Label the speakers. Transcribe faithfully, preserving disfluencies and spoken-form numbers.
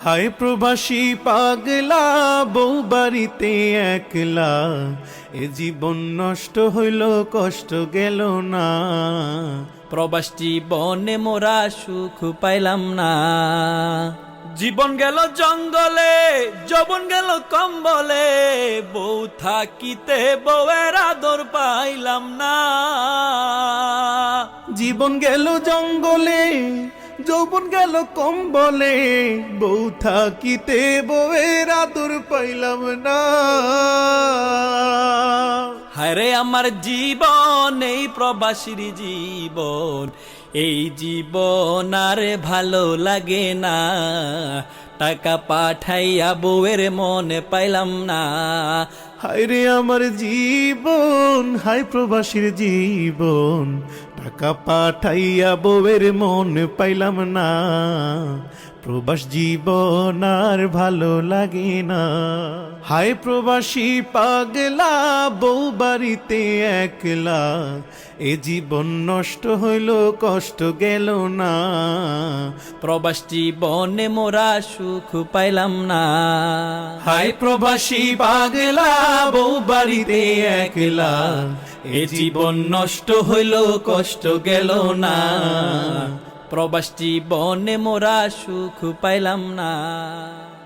Speaker 1: হায় প্রবাসী পাগলা, বউ বাড়িতে একলা, এ জীবন নষ্ট হইল, কষ্ট গেল না।
Speaker 2: প্রবাস জীবনে মোরা সুখ পাইলাম না। জীবন গেল জঙ্গলে, যৌবন গেল কম্বলে, বউ থাকিতে বউয়ের আদর পাইলাম না।
Speaker 1: জীবন গেল জঙ্গলে, যৌবন গেল কম্বলে, বউ থাকিতে বউয়ের আদর পাইলাম না।
Speaker 2: হায়রে আমার জীবন, এই প্রবাসীর জীবন, এই জীবন আর ভালো লাগে না। টাকা পাঠাইয়া বউয়ের মনে পাইলাম না।
Speaker 1: হায়রে আমার জীবন, হায় প্রবাসীর জীবন, টাকা পাঠাইয়া বউয়ের মন পাইলাম না। প্রবাস জীবন আর ভালো লাগে না। হায় প্রবাসী পাগলা, বউ বাড়িতে একলা, এ জীবন নষ্ট হইল, কষ্ট গেল না।
Speaker 2: প্রবাস জীবনে মোরা সুখ পাইলাম না।
Speaker 1: হায় প্রবাসী পাগলা, বউ বাড়িতে একলা, এ জীবন নষ্ট হইল, কষ্ট গেল না।
Speaker 2: প্রবাস জীবনে মোরা সুখ পাইলাম না।